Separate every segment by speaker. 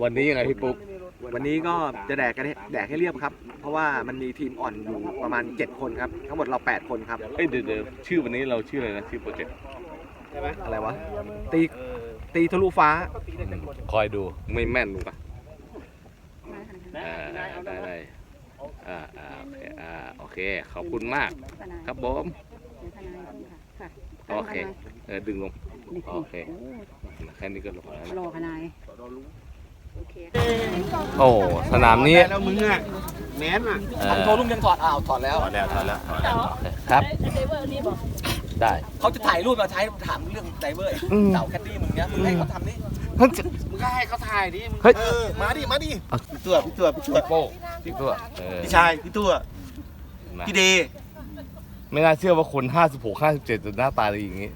Speaker 1: วันนี้ยังไงพี่ปุ๊ก
Speaker 2: วันนี้ก็จะแดกให้เรียบครับเพราะว่ามันมีทีมอ่อนอยู่ประมาณ7คนครับทั้งหมดเรา8คนครับ
Speaker 1: เดี๋ยวชื่อวันนี้เราชื่ออะไรนะชื่อโปรเจกต์
Speaker 2: อะไรวะตีทะลุฟ้า
Speaker 1: คอยดูไม่แม่นดูปะได้โอเคขอบคุณมากครับผมโอเคดึงลงโอเคแค่นี้ก็ลงแล้วรอขนายโอ้สนามนี้
Speaker 2: แล้วมึงอ่ะแมนอ่ะโทรลุงยังถอดถอดแล้ว
Speaker 1: ครับได้
Speaker 2: เขาจะถ่ายรูปมาใช้ถามเรื่องไดเวอร์เต่าแคดดี้มึงเนี้ยมึงให้เขาทำนี่มึงก็ให้เขาถ่ายดิมาดิพี่ตัวพี่โป้
Speaker 1: พี่ตัว
Speaker 2: พี่ชายพี่ตัวพี่เด
Speaker 1: ไม่น่าเชื่อว่าคน56 57จะหน้าตาดีอย่างนี้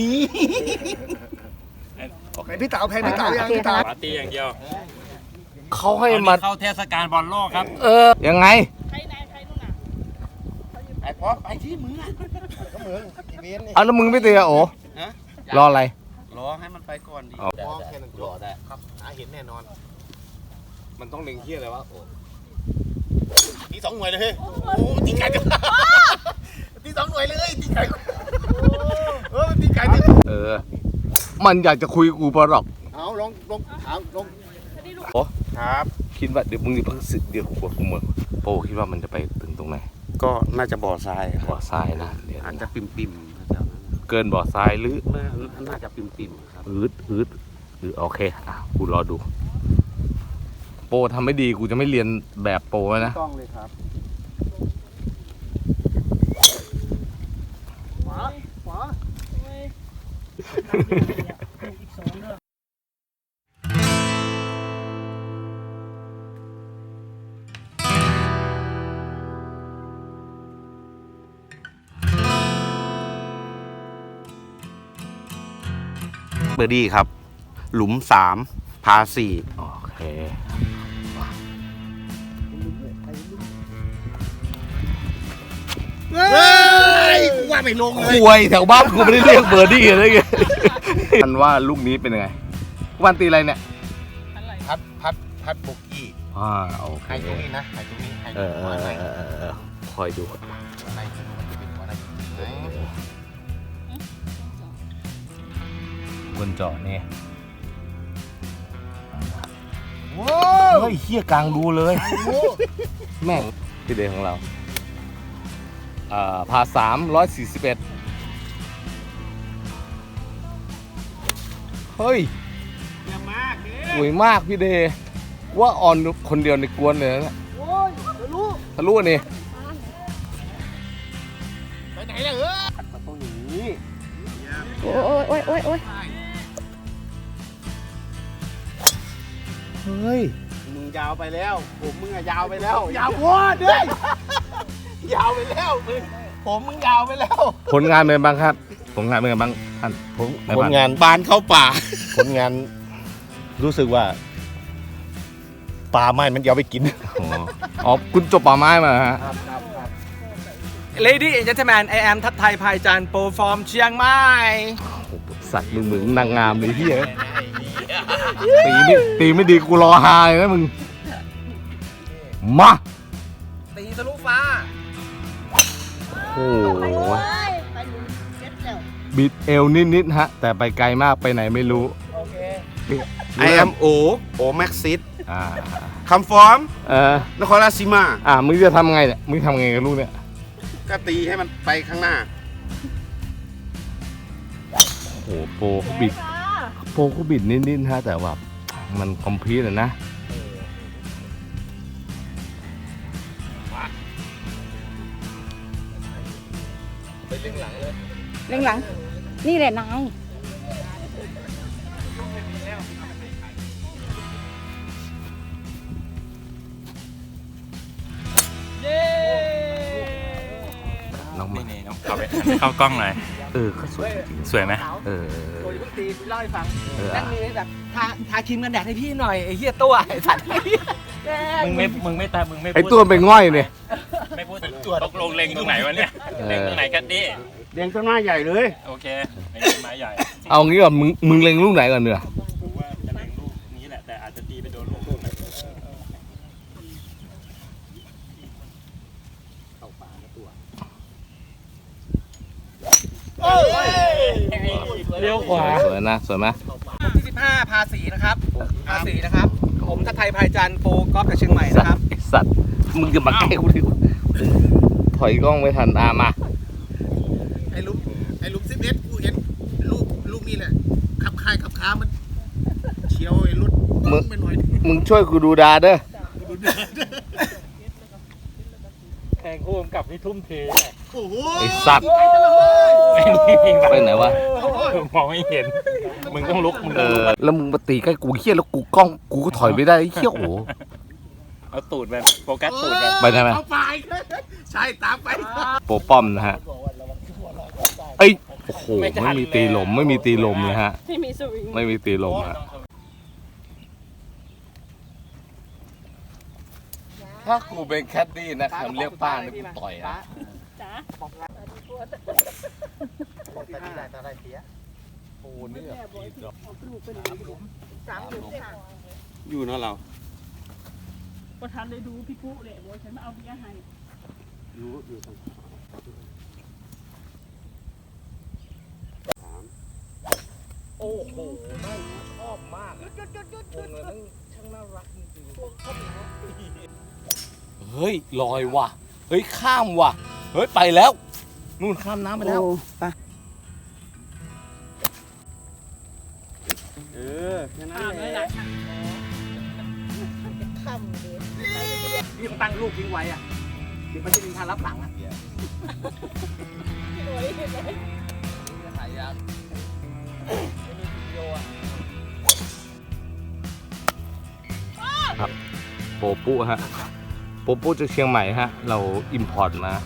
Speaker 2: โอเคพี่เต๋ายังพี่เต๋า
Speaker 3: ปาร์ตี้อย่างเดียว
Speaker 1: เขาให้มา
Speaker 3: เข้าเทศกาลบอลโลกครับ
Speaker 1: ยังไง
Speaker 3: ใครนู่นน่ะ
Speaker 2: ไอ้พอไปที่มึงอ่ะก็มึงอีเวนต์นี่
Speaker 1: แล้วมึงไม่เตะโอ้รออะไร
Speaker 2: รอให้มันไปก่อนดิมองแค่นั้นรอได้ครับเห็นแน่นอน
Speaker 1: มันต้องเล็งเที่ยอะไรวะโอ้
Speaker 2: ตี2 หน่วยเลยเฮ้ยโอ้ตีไก่ตี2 หน่วยเลยตีไก่ตีไก่
Speaker 1: มันอยากจะคุยกูปะหรอก
Speaker 2: เอาลงถามลง
Speaker 1: โอ้ครับคิดว่าเดี๋ยวมึงเดี๋ยวมึงโป้คิดว่ามันจะไปถึงตรงไหน
Speaker 2: ก็น่าจะบ่อทราย
Speaker 1: นะ
Speaker 2: อาจจะปิ่ม
Speaker 1: เกินบ่อทรายหรือ
Speaker 2: น่าจะปิ่มครับ
Speaker 1: อืดโอเคกูรอดูโป้ทำไม่ดีกูจะไม่เรียนแบบโป้นะ
Speaker 2: ต้องเลยครับขวาเบอร์ดี้ครับหลุม3พา4
Speaker 1: โอเค
Speaker 2: ว่าไม่ลงเลย
Speaker 1: คุยแถวบ้านกูไม่ได้เรียกเบอร์ดี้เลยไงอันว่าลูกนี้เป็นยังไงวันตีอะไรเนี่ย
Speaker 2: พัดบุกกี้
Speaker 1: โอเค
Speaker 2: ให้ตรงนี้นะให้ตรงนี้
Speaker 1: คอยดูบนจอนี่เฮ้ยเหี้ยกลางดูเลยแม่งที่เดย์ของเราพา341เฮ้ยสวยมากพี่เดย์ว่าออนคนเดียวในกวนเลยนะทะลุนี่
Speaker 2: ไปไหนล่ะมันต้องอย่างนี้
Speaker 4: โอ้ย
Speaker 1: เฮ้ย
Speaker 2: มึงยาวไปแล้วมึงอะยาวไปแล้วยาวโคตรเลยยาวไปแล้วมึงยาวไปแล้ว
Speaker 1: ผลงานเป็นบ้างครับผลงานเป็นบ้างท่าน
Speaker 2: ผลงานบานเข้าป่าผลงานรู้สึกว่าป่าไม้มันเดี๋ยวไปกิน
Speaker 1: คุณจบป่าไม้มาฮะ
Speaker 2: Ladies and Gentlemen I am ทัศไทยภายจันทร์โปรฟอร์มเชียงใหม่
Speaker 1: สัตว์มึงนางงามเลยที่ตีไม่ดีกูรอฮาเลยนะมึงมา
Speaker 2: ตีทะลุฟ้า
Speaker 1: โอ้โหบิดเอวนิดฮะแต่ไปไกลมากไปไหนไม่รู้
Speaker 2: โอเค I am O Maxis คำฟอร์มนครราชสีมา
Speaker 1: มึงจะทำไงเนี่ยมึงทำไงกับลูกเนี่ย
Speaker 2: ก็ตีให้มันไปข้างหน้า
Speaker 1: โอ้โหโปเขาบิดนิดฮะแต่ว่ามันคอมพลีทเลยนะ
Speaker 4: ไปเล่งหลังเลยเล่งหลังนี่แหละนาย
Speaker 1: น้องนี่
Speaker 3: น้องเข้ากล้องหน่อย
Speaker 1: ก็สวยจริง
Speaker 3: สวยไหม
Speaker 2: โอ้ยพี่ตีเล่าให้ฟังนั่งมีแบบทาครีมกันแดดให้พี่หน่อยไอ้เหี้ยตัวไอ้สัตว์
Speaker 3: มึงไม่
Speaker 1: ไอ้ตัวเป็นง่อยเนี่ย
Speaker 3: ไม่พูดตกลงเล็งตรงไหนวะเนี่ยเล็งตรงไหนกันดิ
Speaker 2: เล็งต้นไม้ใหญ่เลย
Speaker 3: โอเคเล็งต้นไม้ใหญ่
Speaker 1: เอางี้ก่อนมึงเล็งลูกไหนก่อนเนื้อ
Speaker 3: ผมว่าจะเล็งลูกนี้แหละแต่อาจจะตีไปโดนลูกเลี้ยวขวา
Speaker 1: สวยนะสวยไหม
Speaker 2: ผมที่15ภาษีนะครับภาษีนะครับ ผมทัศไทยภายจันทร์โปรกอล์ฟจากเชียงใหม่นะครับ
Speaker 1: ไอสัตว์มึงจะมาใกล้กูดิถอยกล้องไม่ทันมา
Speaker 2: ไอ้ลุม11กูเห็นลูกนี่แหละขับคายขับค้ามันเฉียวไอ้รถไปหน่อย
Speaker 1: มึงช่วยกูดูดาเด้อ
Speaker 3: แทงคู่กำกับนี่ทุ่มเท
Speaker 2: โอ้โห
Speaker 1: ไอสัตว์ไปไหนวะ
Speaker 3: มองไม่เห็น มึงต้องลุก มึง
Speaker 1: เอ
Speaker 3: ต้องลุ
Speaker 1: อก แล้วมึงมาตีใกล้กูเฮี้ยแล้วกูกล้องกูก็ถอยไม่ได้ไอ้เฮี้ยโอ้โห
Speaker 3: เอาตูดไปโฟกัสตูดไป
Speaker 1: ไปได้ไหม
Speaker 2: เอาไปใช่ตามไป
Speaker 1: โปรป้อมนะฮะเอ้ยโอ้โหไม่มีตีลมไม่มีตีลมเลยฮะ
Speaker 4: ที่มีสวิง
Speaker 1: ไม่มีตีลมฮะถ้ากูเป็นแคดดี้นะคำเรียกป้าเนี่ยกูต่อยอ่ะ
Speaker 4: จ้า
Speaker 1: โอ้เนี่ย
Speaker 2: อยู่เนาะเรา
Speaker 4: ประธานเลยดูพี่ปุ๊เลยบอกฉันมาเอาเบียร์ให้
Speaker 1: โอ้โหแม่งชอบมากวงเลยนั่งช่างน่ารักจริงๆเฮ้ยลอยว่ะเฮ้ยข้ามว่ะเฮ้ยไปแล้วนู่นข้ามน้ำไปแล้ว
Speaker 4: ไป
Speaker 2: แค่นั้น
Speaker 4: ข้าม
Speaker 2: แห
Speaker 4: เลย
Speaker 2: ละ
Speaker 4: ล่ะ
Speaker 2: พี่ต้องตั้งลูกทิ้งไว้อ่ะเดี๋ยวมันจะมีทางรับหลังอ่ะ
Speaker 1: ถ่ายยังครับโปปุฮะโปปุจากเชียงใหม่ฮะเราอิมพอร์ตมา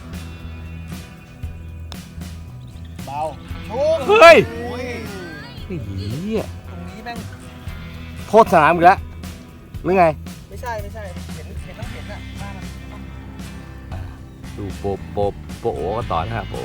Speaker 2: เบาโชค
Speaker 1: เฮ้ย
Speaker 2: โอ้ย
Speaker 1: ไอ้เหี้ย
Speaker 2: ตรงนี้แม่ง
Speaker 1: โทษสนามอีกแล้วหรือไง
Speaker 2: ไม่ใช่เห็นต้องเห็นอ่ะบ้านมัน
Speaker 1: ดูโปโอก็ต่อนะฮะโป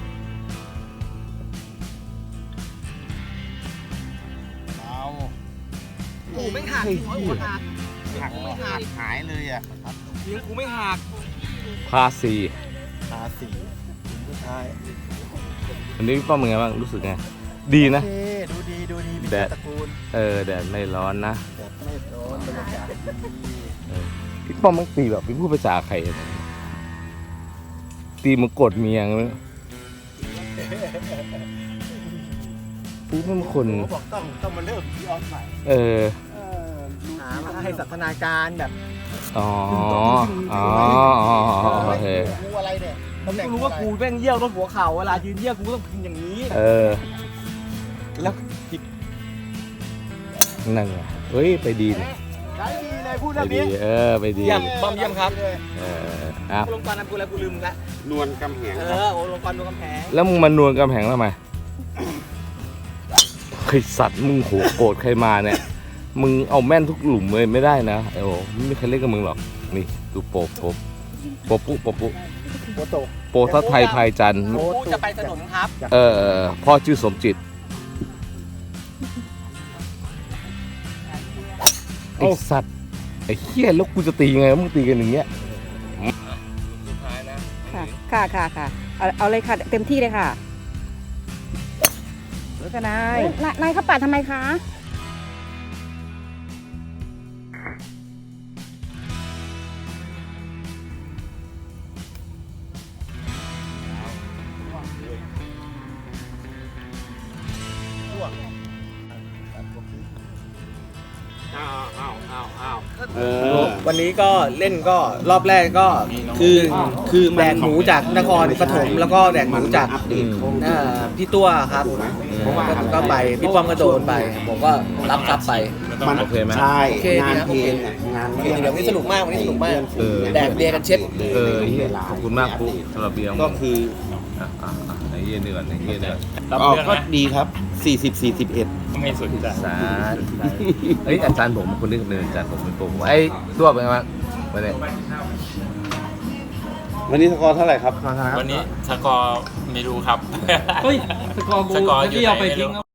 Speaker 2: กูไม่หักหัวหัก
Speaker 3: หัก
Speaker 2: ไม่หัก
Speaker 3: หายเลยอ่ะ
Speaker 2: ยิงกูไม่หัก
Speaker 1: พาซี
Speaker 2: ภาษีผู้ชาย
Speaker 1: วันนี้พี่ป้อมเป็นไงบ้างรู้สึกไงดีนะ
Speaker 2: เท่ดูดีมี
Speaker 1: แดด
Speaker 2: ตระกูล
Speaker 1: แดดไม่ร้อนนะ
Speaker 2: แบบไม่ร้อนบรรยากาศดี
Speaker 1: พี่ป้อมมันตีแบบพี่พูดภาษาใครเนี่ยตีมันกดเมียงเลยพี่เป็นคน
Speaker 2: เขาบอกต้องมาเริ่มที่ออฟใหม่ หามาให้สันทนาการแบบ
Speaker 1: อ๋อโอเค
Speaker 2: กูอะไรเนี่ยกูรู้ว่ากูแม่งเยี่ยวรถหัวเข่าเวลายืนเยี่ยวกูต้องพิงอย่างนี้ แล้วผิด
Speaker 1: นั่นไงเฮ้ยไปดีนะ
Speaker 2: ใช้ดีเลยพูด
Speaker 1: ไป
Speaker 2: เรื่อง
Speaker 1: ดี
Speaker 2: นี้
Speaker 1: ไปดี
Speaker 2: เยี่ยมบอมเยี่ยมครับ
Speaker 1: อ่ะ
Speaker 2: ลงกรนำกูแล้วกูลืมละ
Speaker 3: นวลกำแหง
Speaker 2: โอ้ลงกรนวลกำแพง
Speaker 1: แล้วมึงมานวลกำแพงทำไมไอสัตว์มึงโหโกรธใครมาเนี่ยมึงเอาแม่นทุกหลุมเลยไม่ได้นะไอ้โหไม่มีใครเล่นกับมึงหรอกนี่ดูโปปุโป
Speaker 2: โต
Speaker 1: โปทัศไทยภายจันทร์
Speaker 2: กูจะไปถนนครับ
Speaker 1: พ่อชื่อสมจิตไอสัตว์ไอเหี้ยแล้วกูจะตียังไงมึงตีกันอย่างเงี้ย
Speaker 4: ค่ะเอาเลยค่ะเต็มที่เลยค่ะแล้วก็นายเขาปาดทำไมคะ
Speaker 2: วันนี้ก็เล่นก็รอบแรกก็คือแดกหมูจากนครปฐมแล้วก็แดกหมูจากพี่ตัวครับก็ไปพี่ป้อมก็โดนไปผมก็รับทรัพย์ไป
Speaker 1: โอเคไหม
Speaker 2: ใช่งานเพลงงานเดี๋ยวนี้สนุกมากวันนี้สนุกมากแดกเบียร์กันเช็ด
Speaker 1: เหี้ยขอบคุณมากปุ๊สำหรับเบียร์
Speaker 2: ก็คือ
Speaker 1: ไอ้เหี้ยเดือดไอ้เหี้ยเดือด
Speaker 2: ก็ดีครับ40-41
Speaker 3: ไม่สนใจ
Speaker 1: สาธุเฮ้ยอาจารย์ผมคนนี้เป็นอาจารย์ผมเป็นโปรไอ้ตัวเป็นไงบ้างวันนี้
Speaker 5: วันนี้สกอร์เท่าไหร่ครับ
Speaker 3: วันนี้สกอร์ไม่รู้ครับ
Speaker 6: เฮ้ยสกอร์กู
Speaker 3: สกอร์
Speaker 6: เมื่อกี้เอาไปทิ้ง